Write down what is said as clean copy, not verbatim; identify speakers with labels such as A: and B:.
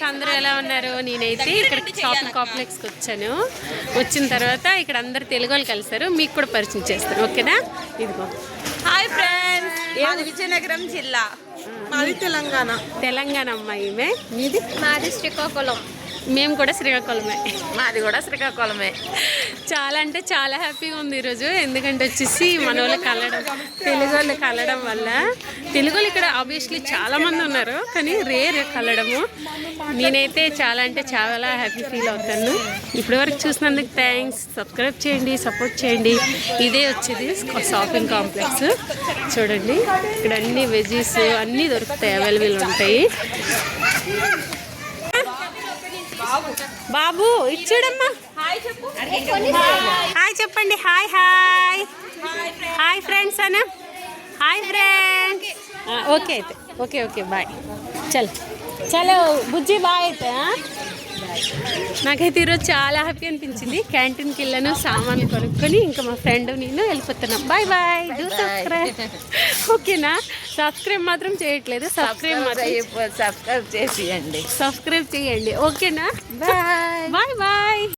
A: అందరూ ఎలా ఉన్నారు? నేనైతే ఇక్కడ షాపింగ్ కాంప్లెక్స్కి వచ్చాను. వచ్చిన తర్వాత ఇక్కడ అందరు తెలుగు వాళ్ళు కలిసారు. మీకు కూడా పరిచయం చేస్తాను, ఓకేనా? ఇదిగో.
B: హాయ్ ఫ్రెండ్స్, మాది విజయనగరం జిల్లా. మాది తెలంగాణ అమ్మాయి. మీది?
C: మాది శ్రీకాకుళం.
A: మేము కూడా శ్రీకాకుళమే.
B: మాది కూడా శ్రీకాకుళమే.
A: చాలా అంటే చాలా హ్యాపీగా ఉంది ఈరోజు. ఎందుకంటే వచ్చేసి మన వాళ్ళు కలవడం, తెలుగు వాళ్ళు కలవడం వల్ల. తెలుగు వాళ్ళు ఇక్కడ ఆబ్వియస్లీ చాలామంది ఉన్నారు, కానీ రేర్ కలవడము. నేనైతే చాలా అంటే చాలా హ్యాపీ ఫీల్ అవుతాను. ఇప్పటి వరకు చూసినందుకు థ్యాంక్స్. సబ్స్క్రైబ్ చేయండి, సపోర్ట్ చేయండి. ఇదే వచ్చేది షాపింగ్ కాంప్లెక్స్. చూడండి, ఇక్కడ అన్ని వెజీస్ అన్నీ దొరుకుతాయి, అవైలబుల్ ఉంటాయి. బాబు ఇచ్చాడమ్మా. హాయ్ చెప్పండి. హాయ్ హాయ్ హాయ్ ఫ్రెండ్స్ అన్న. Hi friends. ఓకే అయితే ఓకే ఓకే బాయ్. చలో బుజ్జి బాయ్ అయితే. నాకైతే ఈరోజు చాలా హ్యాపీ అనిపించింది. క్యాంటీన్కి వెళ్ళాను, సామాన్లు కొనుక్కొని ఇంకా మా ఫ్రెండ్ నేను వెళ్ళిపోతున్నాం. Bye bye. డూ సబ్స్క్రైబ్, ఓకేనా? సబ్స్క్రైబ్ మాత్రం చేయట్లేదు. సబ్స్క్రైబ్ చేసేయండి, సబ్స్క్రైబ్ చేయండి, ఓకేనా? Bye bye bye.